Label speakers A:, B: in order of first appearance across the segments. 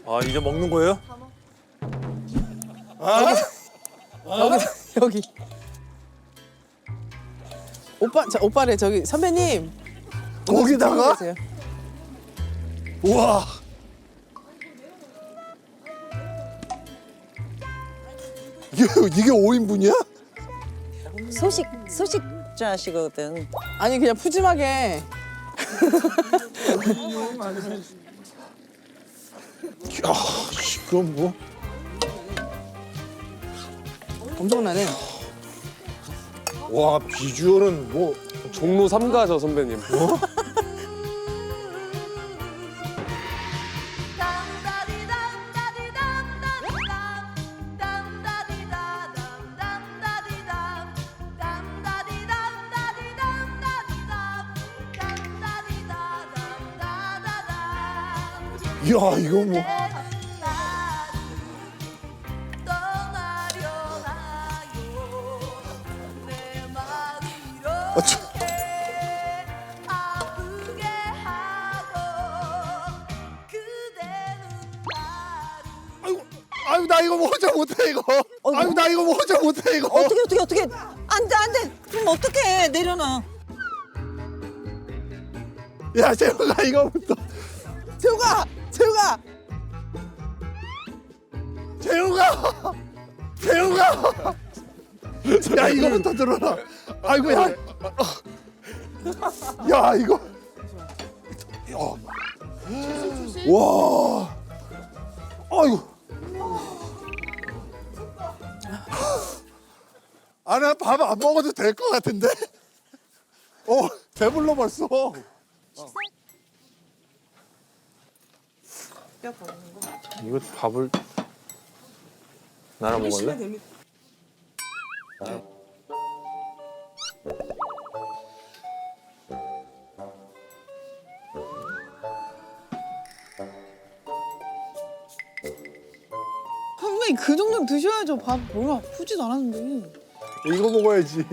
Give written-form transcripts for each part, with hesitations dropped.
A: 아 이제 먹는 거예요?
B: 여기. 오빠, 오빠래 저기 선배님.
A: 거기다가?
B: 드세요.
A: 우와. 이게 5인분이야?
C: 소식자시거든.
B: 아니 그냥 푸짐하게.
A: 야, 그럼 뭐?
B: 엄청나네.
A: 와 비주얼은 뭐
D: 종로 3가죠 선배님.
A: 야 이거 뭐? 아이고 나 이거 뭐 혼자 못해 이거. 아이고 나 이거 뭐 혼자 못해 이거.
C: 어떻게 안돼 그럼 어떻게 내려놔.
A: 야 재호가 이거부터.
B: 재우가.
A: 재호가. 야 이거부터 들어라. 아이고 야. 야 이거. 야. 와. 아이고. 아, 나 밥 안 먹어도 될 것 같은데? 배불러 벌써. 이거 밥을 나랑 먹을래?
B: 선배님 그 정도는 드셔야죠. 밥 별로 아프지도 않았는데.
A: 이거 먹어야지.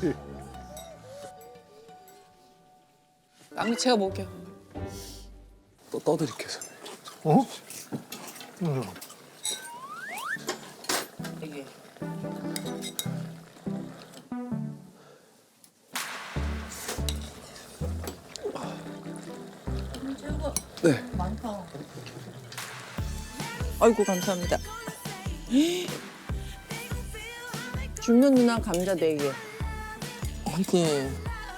B: 남이 제가 먹을게요.
D: 또 떠드릴게요 선배님.
A: 어?
B: 이게.
D: 네.
C: 아이고 감사합니다. 줄면 누나 감자 4개.
B: 이게.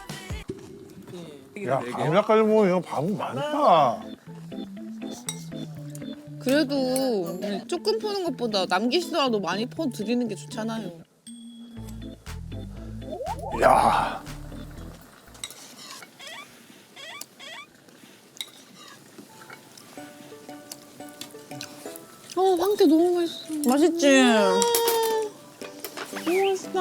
A: 야, 감자까지 먹으면 이거 밥은 많다.
E: 그래도 조금 푸는 것보다 남기시더라도 많이 퍼 드리는 게 좋잖아요.
A: 야.
E: 황태 너무 맛있어.
C: 맛있지?
E: 너무 맛있다.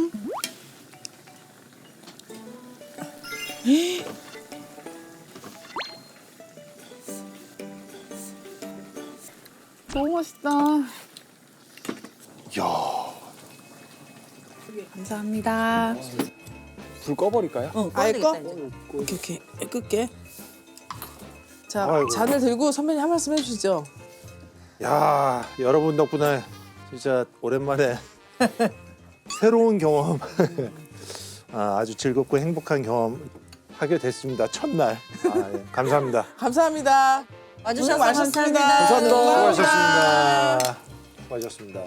E: 너무 맛있다.
A: 야.
E: 감사합니다.
D: 불 꺼버릴까요?
C: 응,
B: 아예 꺼?
C: 꺼내겠다, 이제.
B: 오케이. 끌게. 자,
A: 아이고.
B: 잔을 들고 선배님 한 말씀 해주시죠.
A: 야, 여러분 덕분에 진짜 오랜만에 새로운 경험, 아주 즐겁고 행복한 경험 하게 됐습니다. 첫날. 예, 감사합니다.
B: 감사합니다.
C: 와주셔서
B: 고생 많으셨습니다.
C: 감사합니다.
A: 수고하셨습니다. 수고하셨습니다.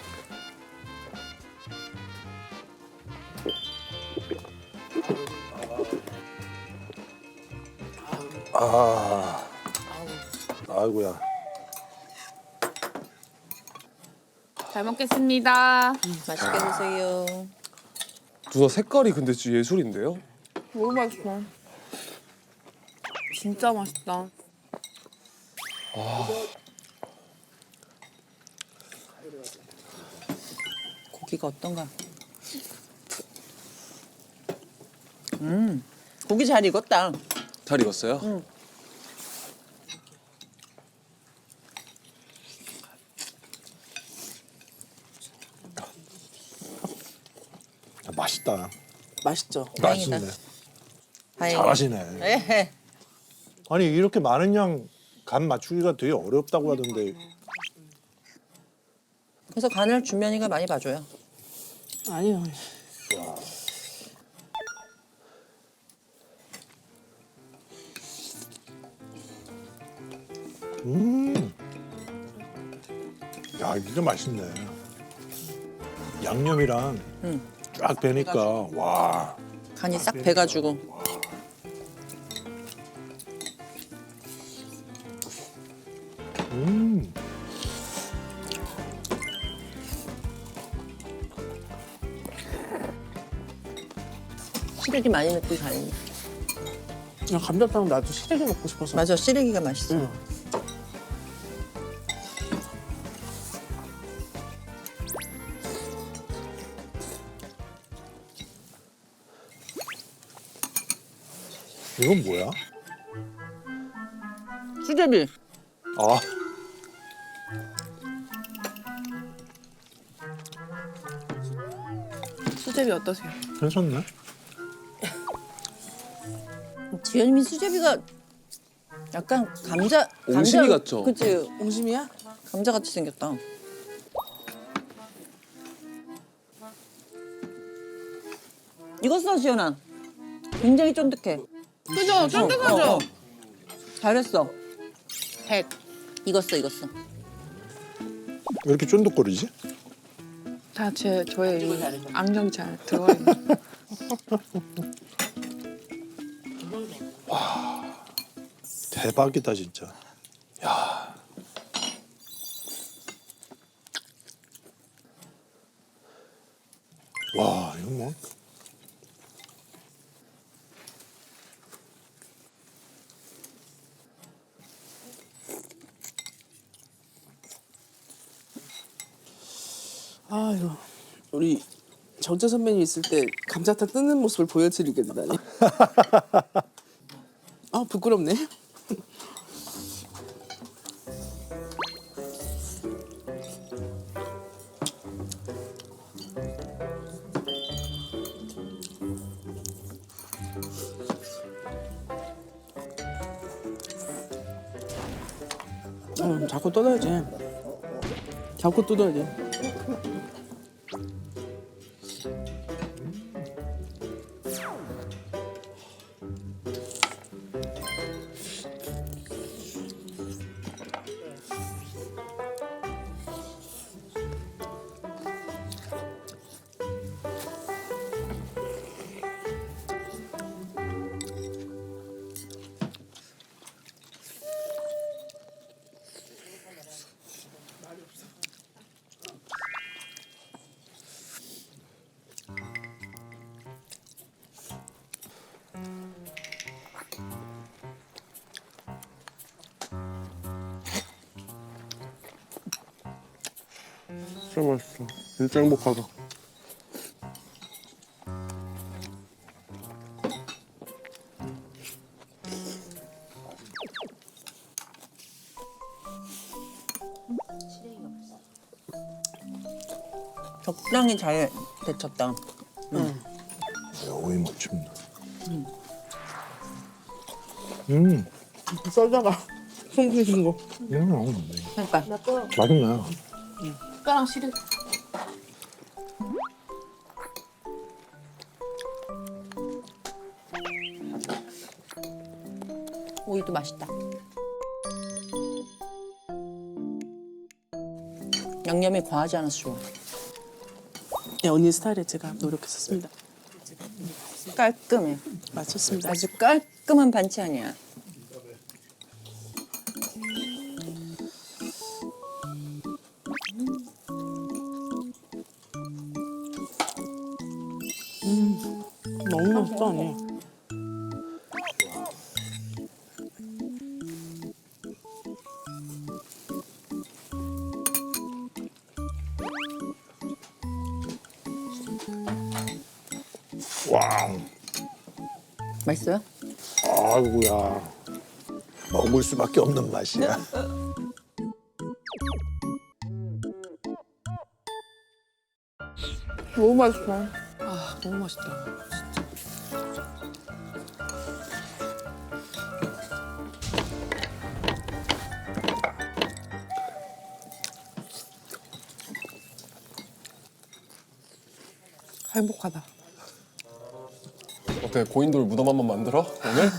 A: 아이고야.
E: 잘 먹겠습니다.
C: 맛있게 드세요.
D: 누나 색깔이 근데 진짜 예술인데요?
E: 너무 맛있어. 진짜 맛있다.
C: 고기가 어떤가? 고기 잘 익었다.
D: 잘 익었어요?
C: 응.
A: 맛있다.
B: 맛있죠?
C: 다행이다.
A: 맛있네.
C: 다행이다.
A: 잘하시네.
C: 에헤.
A: 아니 이렇게 많은 양
F: 간 맞추기가 되게 어렵다고 하던데.
C: 그래서 간을 준면이가 많이 봐줘요.
B: 아니요.
F: 야, 이게 맛있네. 양념이랑 쫙 배니까 와.
C: 간이 싹 배가지고. 시래기 많이 넣고 잘했네.
B: 야, 감자탕 나도 시래기 먹고 싶어서.
C: 맞아, 시래기가 맛있어.
B: 응.
F: 이건 뭐야?
B: 수제비.
F: 아,
E: 수제비 어떠세요?
F: 괜찮네.
C: 지현님이 수제비가 약간 감자
D: 옹심이 같죠?
C: 그치,
B: 옹심이야?
C: 감자 같이 생겼다. 이거 써, 지현아. 굉장히 쫀득해.
E: 그죠? 쫀득하죠?
C: 잘했어.
E: 100.
C: 익었어, 익었어.
F: 왜 이렇게 쫀득거리지?
E: 다 저의 이 안경이 잘 들어가 있는.
F: 대박이다 진짜. 야. 와, 이거 뭐?
B: 아유, 우리 정재 선배님 있을 때 감자탕 뜯는 모습을 보여드리게 되다니. 아, 부끄럽네. 자꾸 뜯어야지. 자꾸 뜯어야지.
D: 진짜 맛있어. 진짜 행복하다.
C: 적당히 잘 데쳤다.
F: 오이 멋집니다.
B: 썰다가 손 드신 거.
C: 그러니까
F: 맛있네.
E: 뼈랑 시래.
C: 오이도 맛있다. 양념이 과하지 않아서 좋아.
B: 네, 언니 스타일에 제가 노력했었습니다.
C: 깔끔해.
B: 맞췄습니다.
C: 아주 깔끔한 반찬이야.
B: 너무 맛있다, 언니.
F: 와,
C: 맛있어요?
F: 아이고야. 먹을 수밖에 없는 맛이야.
E: 너무 맛있어. 아, 너무 맛있다.
B: 행복하다.
D: 어때 고인돌 무덤 한번 만들어 오늘?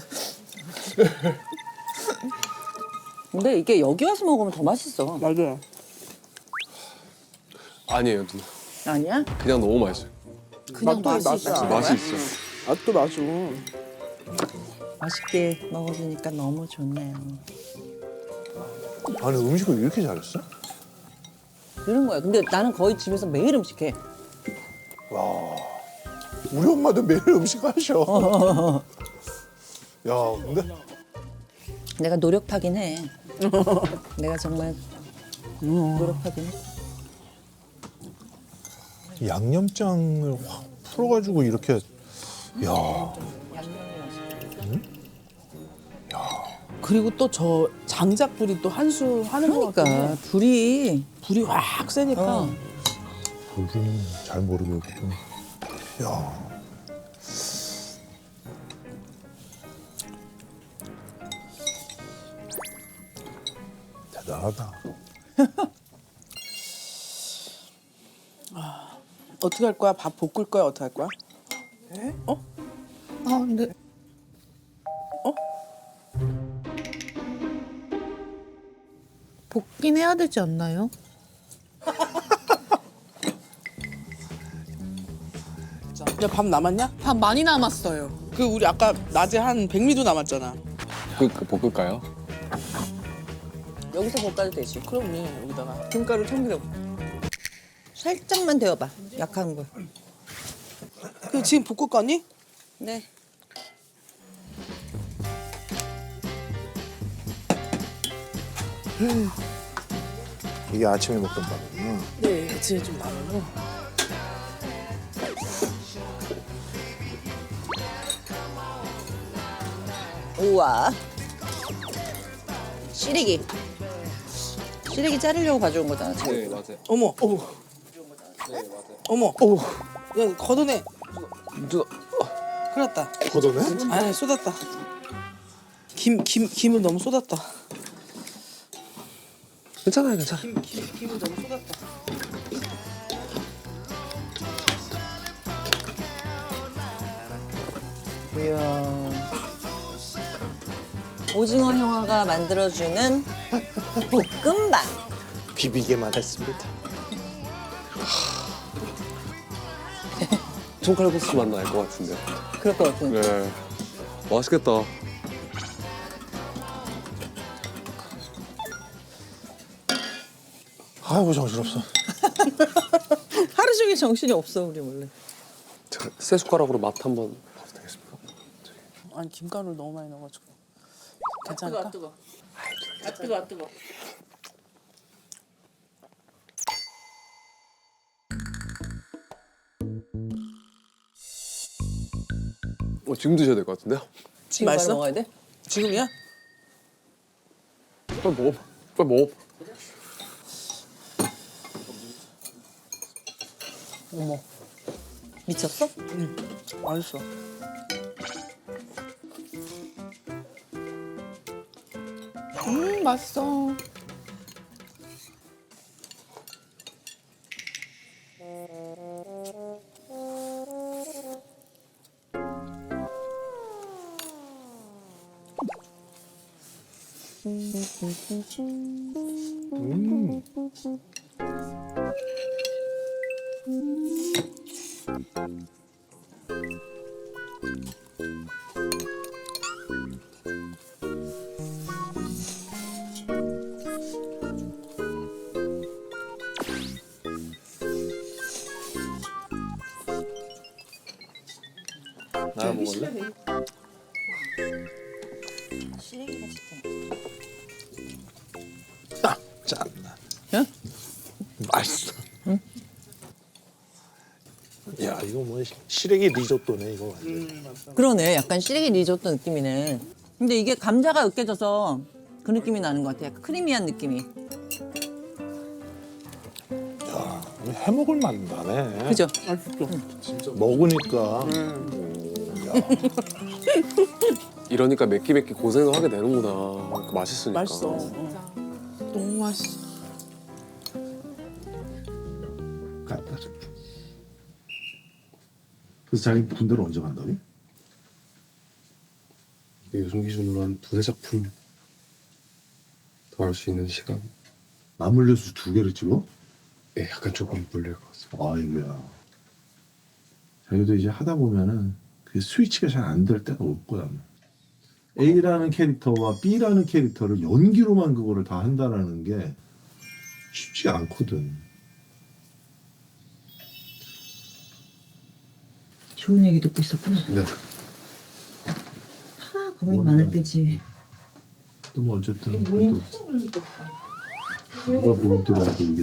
C: 근데 이게 여기 와서 먹으면 더 맛있어.
B: 맞아요.
D: 아니에요 누나.
C: 아니야?
D: 그냥 너무 맛있어요.
C: 그냥 맛이 있어.
D: 맛이 있어.
B: 맛도 맛있어.
C: 맛있게 먹어주니까 너무 좋네요.
F: 아니 음식을 이렇게 잘했어?
C: 그런 거야. 근데 나는 거의 집에서 매일 음식해.
F: 와. 우리 엄마도 매일 음식 하셔. 야, 근데
C: 내가 노력하긴 해. 내가 정말 노력하긴 해.
F: 양념장을 확 풀어가지고 이렇게 야.
B: 그리고 또 저 장작불이 또 한 수 하는 거 같아.
C: 그러니까 불이
B: 불이 확 세니까.
F: 우리는 잘 모르겠고. 야. 대단하다.
B: 어떻게 할 거야? 밥 볶을 거야? 어떻게 할 거야? 어?
E: 아 근데 볶긴 해야 되지 않나요?
B: 야, 밥 남았냐?
E: 밥 많이 남았어요.
B: 그 우리 아까 낮에 한 백미도 남았잖아.
D: 그 볶을까요?
C: 여기서 볶아도 되지.
B: 그럼요, 여기다가.
C: 김가루 참기름. 살짝만 데워봐. 약한 거.
B: 그 지금 볶을 거니?
C: 네.
F: 이게 아침에 먹던 밥이구나.
B: 네, 아침에 좀 남아요.
C: 우와. 시래기. 시래기 자르려고 가져온 거잖아. 지금.
D: 네 맞아요.
B: 어머, 어머.
D: 네 맞아요.
B: 어머, 야, 걷어내.
D: 누나
B: 큰일 났다.
F: 걷어내?
B: 아니, 쏟았다. 김을 너무 쏟았다.
D: 괜찮아요 괜찮아.
B: 김을 너무 쏟았다.
C: 이야. 오징어 형아가 만들어주는 볶음밥.
F: 비비게만 했습니다.
D: 총칼국수 맛 날 것 같은데.
C: 그럴 것 같은데.
D: 네. 맛있겠다.
F: 아이고 정신없어.
C: 하루 종일 정신이 없어 우리 원래.
D: 제가 새 숟가락으로 맛 한번 봐도 되겠습니까?
B: 아니, 김가루를 너무 많이 넣어가지고. 괜찮을까?
C: 뜨거.
D: 지금 드셔야 될 것 같은데요?
C: 지금 바로
B: 맛있어?
C: 먹어야 돼?
B: 지금이야?
D: 빨리 먹어. 빨리 먹어.
C: 어머. 미쳤어?
B: 맛있어.
E: 맛있어.
D: 나야 먹을래?
C: 시래기가 진짜.
F: 아, 짠나.
C: 응?
F: 맛있어. 응? 야 이거 뭐 시래기 리조또네 이거 완전.
C: 그러네. 약간 시래기 리조또 느낌이네. 근데 이게 감자가 으깨져서 그 느낌이 나는 것 같아. 약간 크리미한 느낌이.
F: 야 이거 해먹을 맛 나네.
C: 그죠?
F: 먹으니까.
D: 이러니까 맵기 고생을 하게 되는구나. 맛있으니까.
B: 맛있어.
E: 너무 맛있어.
A: 그래서 자기 군대를 언제 간다고?
D: 이게 요즘 기준으로 한 2-3작품 더 할 수 있는 시간.
A: 맞물려서 2개를 찍어?
D: 예, 약간 조금 물릴 것 같습니다.
A: 아이고야. 자기도 이제 하다 보면은 그 스위치가 잘 안 될 때가 올 거야. A라는 캐릭터와 B라는 캐릭터를 연기로만 그거를 다 한다라는 게 쉽지 않거든.
C: 좋은 얘기 듣고 있었구나.
D: 네.
C: 고민 많을 때지.
A: 또 뭐 어쨌든 그래도 누가 보더라도 이게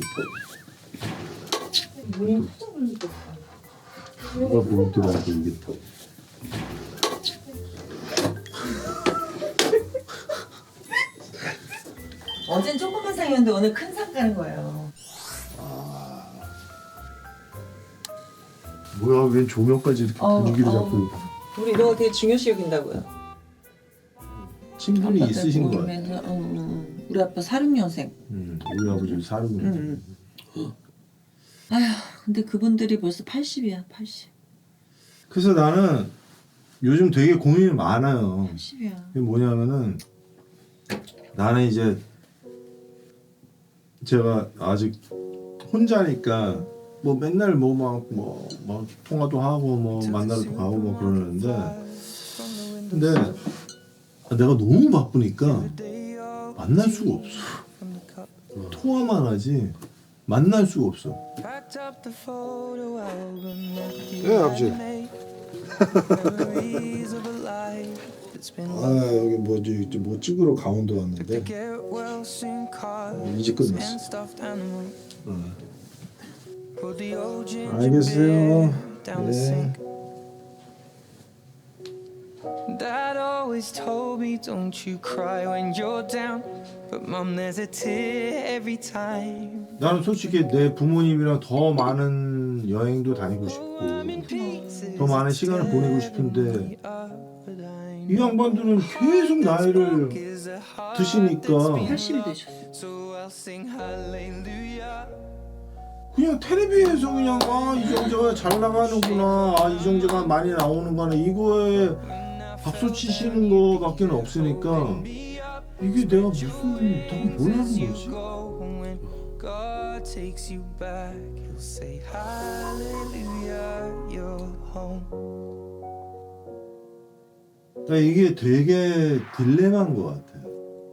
A: 누가 보더라도 이게
C: 어젠 조그만 상이었는데 오늘 큰 상 가는 거예요.
A: 뭐야 왜 조명까지 이렇게 분위기를 잡고
C: 우리 이런 거 되게 중요시 여긴다고요.
A: 친분이 있으신 거야.
C: 울면서, 우리 아빠 46년생.
A: 우리 아버지 사는
C: 아휴, 근데 그분들이 벌써 80이야, 80.
A: 그래서 나는 요즘 되게 고민이 많아요.
C: 80이야.
A: 그게 뭐냐면은 나는 이제 제가 아직 혼자니까 뭐 맨날 뭐 막 통화도 하고 뭐 만나러도 가고 뭐 그러는데 근데 내가 너무 바쁘니까 만날 수가 없어. 통화만 하지 만날 수가 없어.
F: 네 아버지.
A: 아 여기 뭐 찍으러 강원도 왔는데 이제 끝났어. 알겠어요. 네.
G: Dad always told me don't you cry when you're down But mom there's a tear every time
A: 나는 솔직히 내 부모님이랑 더 많은 여행도 다니고 싶고 더 많은 시간을 보내고 싶은데 이 양반들은 계속 나이를 드시니까
C: 80이 되셨어.
G: So I'll sing hallelujah
A: 그냥 텔레비에서 그냥 이정재가 잘 나가는구나 이정재가 많이 나오는구나 이거에 박수 치시는 거밖에 없으니까 이게 내가 무슨 뭘 하는 거지?
G: God takes you back He'll say hallelujah You're home
A: 그러니까 이게 되게 딜레마인 것 같아요.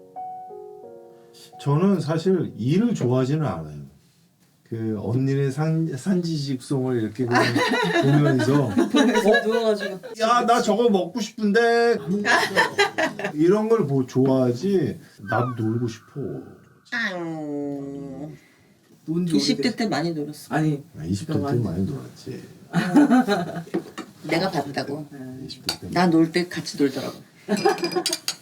A: 저는 사실 일을 좋아하지는 않아요. 그 언니네 산지직송을 이렇게 그냥 보면서
C: 누워가지고.
A: 야 나 저거 먹고 싶은데 이런 걸 좋아하지 나도 놀고 싶어.
C: 20대 때 많이 놀았어.
B: 아니
A: 20대 때 많이 놀았지.
C: 내가 봤다고.
A: 20대 때
C: 나 놀 때 같이 놀더라고.